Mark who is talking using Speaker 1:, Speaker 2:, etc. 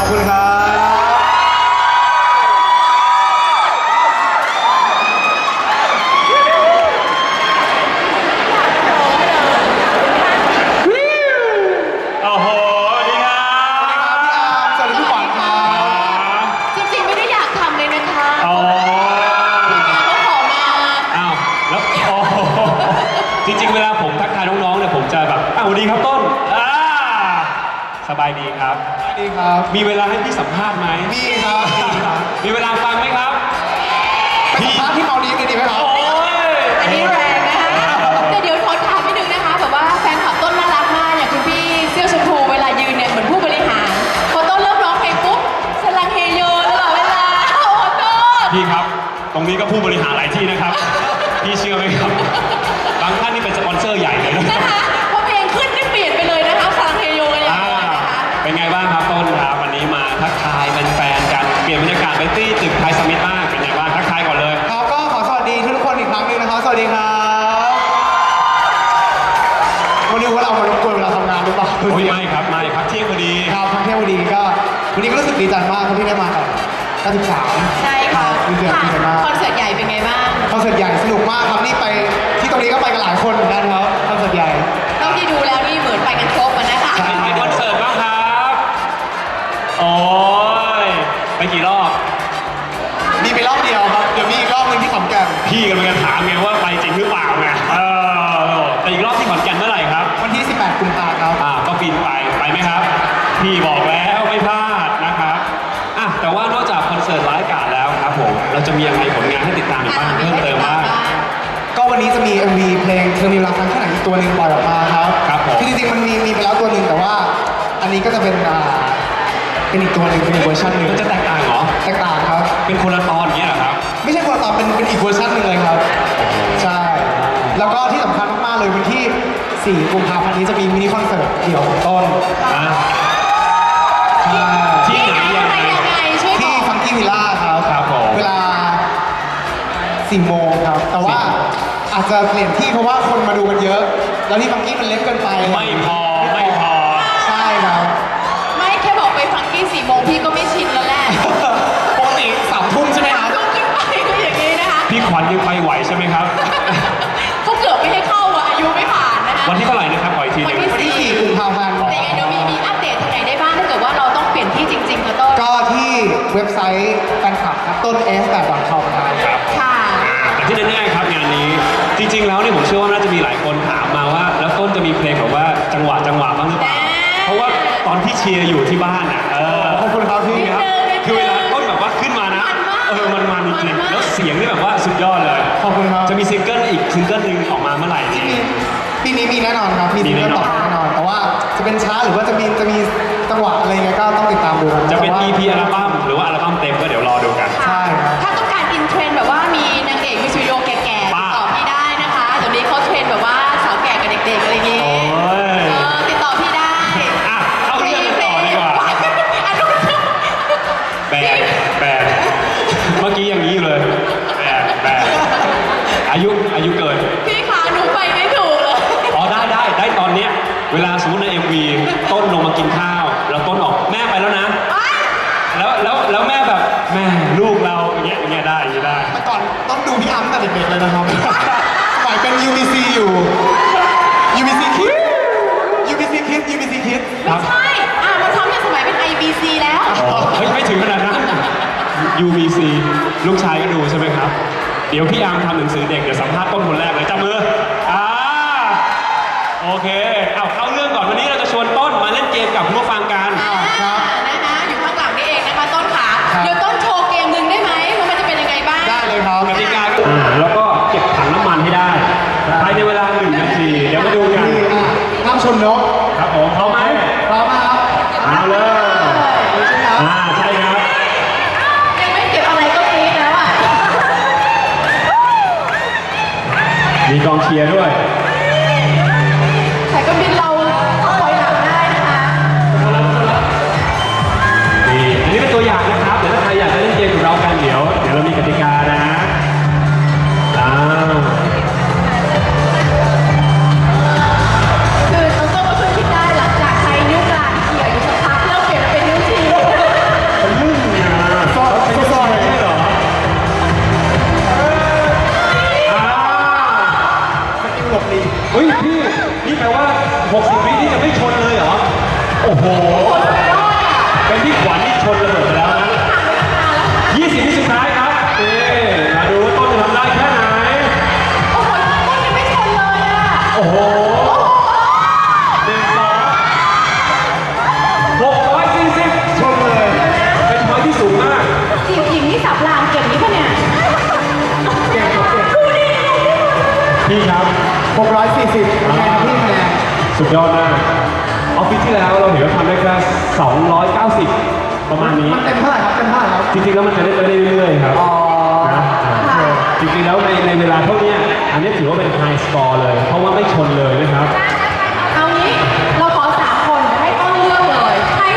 Speaker 1: คุณครับ
Speaker 2: โอ้โหสวัสดีครับ
Speaker 1: สวัสดีพี่ขวัญครับ
Speaker 3: จริงๆไม่ได้อยากทำเลยนะคะ
Speaker 2: อ๋อ
Speaker 3: เขาขอมา
Speaker 2: อ้าวแล้วโอ้โหจริงๆเวลาผมทักทายน้องๆเนี่ยผมจะแบบอ้าวสวัสดีครับต้นสบายดีครับ
Speaker 1: สวัสดีครับ
Speaker 2: มีเวลาให้พี่สัมภาษณ์ไหม
Speaker 1: มีครับ
Speaker 2: มีเวลาฟังไหมครับ
Speaker 1: ไปสัมภาษณ์ที่เมาดีเลยดีไหมครับ
Speaker 2: โอ้ย
Speaker 3: อันนี้แรงนะคะแต่เดี๋ยวขอถามนิดนึงนะคะแบบว่าแฟนคลับต้นน่ารักมากอย่างคุณพี่เสื้อชมพูเวลายืนเนี่ยเหมือนผู้บริหารพอต้นเริ่มร้องเพลงปุ๊บสลังเฮโยตลอดเวลาโอ้ต้น
Speaker 2: พี่ครับ ตรงนี้ก็ผู้บริหารหลายที่นะครับ พี่เชื่อไหมครับ บางท่านนี่เป็นสปอนเซอร์ใหญ่เลยนะ
Speaker 3: นะคะพอเพลงขึ้นนี่เปลี่ยนไปเลยนะคะสลังเฮโยกันอย่างเดียวนะคะ
Speaker 2: เป็นไงบ้างครับต้นครับวันนี้มาทักทายแฟนๆกันเปลี่ยนบรรยากาศไปที่ตึกไทยสมิธมากเป็นไงบ้างทักทายก่อนเลย
Speaker 1: ครับก็ขอสวัสดีทุกคนอีกครั้งหนึงนะครับ สวัสดีครับวันนี้ว่าเรามารบกวนเวลาทำงานหรือเปล่า
Speaker 2: โอ้ยไม่ครับไม่พักเที่ยงพอดี
Speaker 1: ครับทั้งเที่ยววันนี้ก็วันนี้ก็รู้สึกดีใจมากครับที่ได้มากับ93
Speaker 3: ใช่ค่ะ
Speaker 1: ดีใจดีใจมาก
Speaker 3: คอนเสิร์ตใหญ่เป็นไงบ้าง
Speaker 1: คอนเสิร์ตใหญ่สนุกมากครับนี่ไปที่ตรงนี้ก็ไปกันหลายคนเหมือนกันครับคอนเสิร์ตใหญ่
Speaker 3: เท่าที่ดูแล้วนี่เหมือนไปกันครบอะนะคะ
Speaker 1: ใช่
Speaker 2: ไปคอนเสิร์ตบ้างครับโอ้ยไปกี่รอบ
Speaker 1: มีไปรอบเดียวครับเดี๋ยวมีอีกรอบหนึงที่ขอนแก่น
Speaker 2: พี่กำลังจะถามไงว่าไปจริงหรือเปล่าไงแต่อีกรอบที่ขอนแก่นเมื่อไหร่ครับ
Speaker 1: วันที่ 18 กุมภาพันธ์ครับ
Speaker 2: ก็บินไปไหมครับ พี่บอกแล้วไม่พลาดนะครับแต่ว่านอกจากคอนเสิร์ตไลฟ์การ์ดแล้วครับผมเราจะมีอะไรผลงานให้ติดตามอีกบ้างเพิ่มเติมบ้าง
Speaker 1: ก็วันนี้จะมี MV เพลงเธอมีรักครั้งแค่ไหนอีกตัวหนึ่งปล่อยออกมาครับ
Speaker 2: ครับผม
Speaker 1: คือจริงๆมันมีไปแล้วตัวหนึ่งแต่ว่าอันนี้ก็จะเป็นอีกตัวหนึ่งเป็นอีกเวอร์ชันหนึ่ง
Speaker 2: มันจะแตกต่างเหรอ
Speaker 1: แตกต่างครับ
Speaker 2: เป็นคนละตอนอย่างเงี้ยเหรอครับ
Speaker 1: ไม่ใช่คนละตอนเป็นอีกเวอร์ชันหนึ่งเลยครับ ใช่ แล้วก็ที่สำคัญมากๆเลยวันที่ 4 กุมภาพันธ์นี้จะมีมินิคอนเสิร์ตเดี่ยวของต้น
Speaker 2: อ่ะ
Speaker 1: ใช่
Speaker 2: ที่ไหนยังไง
Speaker 3: ช่วยบ
Speaker 1: ที่
Speaker 3: อก
Speaker 1: ฟังกี้วิลล่าครับ
Speaker 2: ครับผม
Speaker 1: เวลา 4 โมงครับ แต่ว่าอาจจะเปลี่ยนที่เพราะว่าคนมาดูกันเยอะ แล้วที่ฟังกี้มันเล็กเกินไป
Speaker 2: ไม่พอไม่พอ
Speaker 1: ใช่ครับ
Speaker 3: ไม่แค่บอกไปฟังกี้4 โมงพี่ก็ไม่ชินแล้วแหละ
Speaker 1: ปกติ3 ทุ่มใช่ไหมครับ
Speaker 3: ต้องขึ้นไปก็อย่างนี้นะคะ
Speaker 2: พี่ขวัญยังไปไหวใช่ไหมครับ
Speaker 3: เขาเกือบไม่ให้เข้าอ่ะอายุไม่ผ่านนะคะ
Speaker 2: วันที่เท่าไหร่นะครับขออีกทีหนึง
Speaker 1: วันที่ 4 กุมภาพันธ์
Speaker 3: แต่ยังไงเดี๋ยวมีอัปเดตทางไหนได้บ้างถ้าเกิดว่าเราต้องเปลี่ยนที่จริงๆค่ะต้น
Speaker 1: ก็ที่เว็บไซต์แฟนคลับครับต้น s8.com ครับ
Speaker 2: ครับ
Speaker 3: ค่ะ
Speaker 2: แต่ที่แน่ๆครับงานนี้จริงๆแล้วเนี่ยผมเชื่อว่าน่าจะมีหลายคนถามมาว่า แล้วต้นจะมีเพลงแบบว่าจังหวะบ้างหรือเปล่าเพราะว่าตอนที่เชียร์อยู่ที่บ้านอ่ะ
Speaker 1: ขอบคุณครับพี่
Speaker 2: ครับคือเวลาต้นแบบว่าขึ้นมานะมันจริงๆแล้วเสียงนี่แบบว่าสุดยอดเลย
Speaker 1: ขอบคุณครับ
Speaker 2: จะมีซิงเกิลอีกซิงเกิลหนึ่งออกมาเมื่อไหร่ดี
Speaker 1: ปีนี้มีแน่นอนครับ มีซิงเกิลต่อแน่นอน แต่ว่าจะเป็นช้าหรือว่าจะมีจังหวะอะไรเงี้ยก็ต้องติดตามดูครับ
Speaker 2: จะเป็น
Speaker 1: แต่ว่า
Speaker 2: EP อัลบั้มหรือว่าอัลบั้มเต็มก็เดี๋ยวรอดูกัน
Speaker 1: ใช่ครับ
Speaker 3: ถ้าต้องการอินเทรนด์แบบว่ามีนางเอกมิวสิกวิดีโอแก่ๆติดต่อพี่ได้นะคะเดี๋ยวนี้เขาเทรนด์แบบว่าสาวแก่กับเด็กๆอะไรอย่างงี้
Speaker 2: โอ้ย
Speaker 3: ติดต่อพี่ได้
Speaker 2: เข้าเรื่องกันต่อดีกว่า แปดเมื่อกี้อย่างนี้เลยแปดอายุเกิน
Speaker 3: พี่ขาหนูไปไม่ถูกเลย
Speaker 2: ได้ตอนเนี้ยเวลาสมมติใน MV ต้นลงมากินข้าวแล้วต้นออกแม่ไปแล้วนะ แล้วแม่แบบแม่ลูกเราอย่างเงี้ยได้
Speaker 1: แต่ก่อนต้องดูพี่อ้ำตั้งแต่เด็กๆเลยนะครับ สมัยเป็น UBC อยู่ UBC Kids UBC Kids
Speaker 3: ไม่ใช่มันทำในสมัยเป็น IBC แล้ว
Speaker 2: เฮ้ยไม่ถึงขนาดนั้น UBC ลูกชายก็ดูใช่ไหมครับ เดี๋ยวพี่อาร์มทำหนังสือเด็กเดี๋ยวสัมภาษณ์ต้นคนแรกเลยจับมือโอเคเข้าเรื่องก่อนวันนี้เราจะชวนต้นมาเล่นเกมกับผู้ฟังกัน
Speaker 1: ครับ
Speaker 3: นะคะอยู่ข้างหลังนี่เองนะคะต้นขา
Speaker 1: ครับ
Speaker 3: เดี๋ยวต้นโชว์เกมหนึ่งได้ไหมว่ามันจะเป็นยังไงบ้าง
Speaker 1: ได้เลยครับ
Speaker 2: กติกาก็แล้วก็เก็บถังน้ำมันให้ได้ภายในเวลา1 นาที เดี๋ยวมาดูกัน
Speaker 1: นี่ห้ามชนนก
Speaker 2: ครับผมพร้อมไหม
Speaker 1: พร้อมนะครับ
Speaker 2: เอาเลย
Speaker 1: ใช่ไหมครับ
Speaker 2: ใช่ครับ
Speaker 3: ยังไม่เก็บอะไรก็กรี๊ดแล้วอ่ะ
Speaker 2: มีกองเชียร์ด้วย
Speaker 3: สายการบินเราถอยหลังได้นะคะ
Speaker 2: นี่อันนี้เป็นตัวอย่างนะครับ เดี๋ยวถ้าใครอยากจะเล่นเกมกับเรากันเดี๋ยวเรามีกติกานะ
Speaker 3: คือน้องต้นก็เพิ่งคิดได้หลังจากใช้นิ้วกลางเขี่ยอยู่สักพักแล้วเปลี่ยนมาเป็นนิ้วชี้
Speaker 2: เป็นที่ขวัญที่ชนระเบิดไปแล้วนะ 20 วิสุดท้ายครับมาดูว่าต้นจะทำได้แค่ไหน
Speaker 3: โอ้โหต้นยังไม่ชนเลยอ่ะ
Speaker 2: โอ้โห640 ชนเลย เป็นพอยที่สูงมาก
Speaker 3: จีบหญิงที่สับรางเก่งนี่ปะเนี่ย
Speaker 1: เก่งครับเก่ง
Speaker 2: พี่ครับ
Speaker 1: 640คะแนนครับพี่คะแนน
Speaker 2: สุดยอดมากออฟฟิศที่แล้วเราเห็นว่าทำได้แค่290 ประมาณนี้
Speaker 1: มันเต็มเท่าไหร่ครับเต็มเท่าไหร่ครับ
Speaker 2: จริงๆแล้วมันจะได้ไปเรื่อยๆครับ
Speaker 1: อ๋อ
Speaker 2: นะจริงๆแล้วในเวลาเท่านี้อันนี้ถือว่าเป็นไฮสกอร์เลย เพราะว่าไม่ชนเลยนะครับ